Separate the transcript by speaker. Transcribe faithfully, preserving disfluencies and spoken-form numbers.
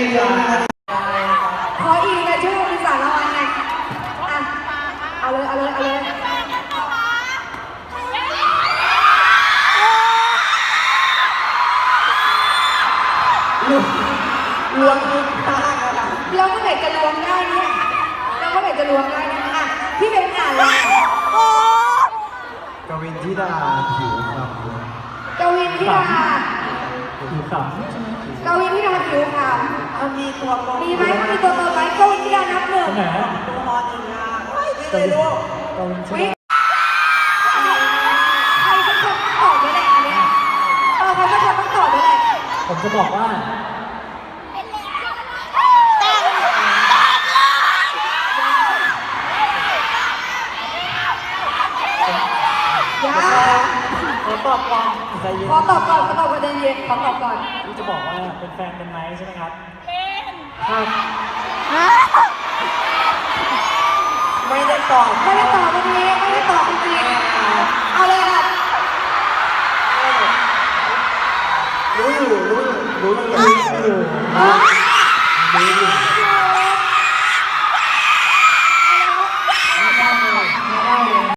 Speaker 1: เยอะนะ
Speaker 2: ขออีกเลยช่วยมีสารละวันไงอ่ะเอาเลยเอาเลยเอาเลย
Speaker 1: รวมทุกท่าค่ะ
Speaker 2: เราก็ไหนจะรวมได้เนี่ยเราก็ไหนจะรวมได้เนี่ยอ่ะพี่เป็นอ่านเลย
Speaker 3: กวินธิดาผิวค
Speaker 2: กวินธิดา
Speaker 3: ำผิวขำ
Speaker 2: กวินธิดาผิวขาว
Speaker 1: มันมีตัวตน
Speaker 2: มีไหมมีตัวตนไหมกวินธิดานับหนึ่ง
Speaker 3: ไหนฮะ
Speaker 1: ตัวมอนอีกงานไม่ได้ลูก
Speaker 3: กวินธิ
Speaker 2: วิ
Speaker 3: ดา
Speaker 2: ใครสักคนต้องตอบด้วยแหละอันเนี้ยเออใครสักคนต้องตอบด้วยแหละ
Speaker 3: ผมจะบอกว่า
Speaker 2: ยา
Speaker 3: ขอตอบก่อนใจเย็น
Speaker 2: ขอตอบก่อนขอตอบประเด็นเย็นขอตอบก่อน
Speaker 3: ที่จะบอกว่าเป็นแฟนกันไหมใช่ไหมครับเป็นครับ
Speaker 1: ไม่ได้ตอบ
Speaker 2: ไม่ได้ตอบวันนี้ไม่ได้ตอบจริงๆเอาเลยนะ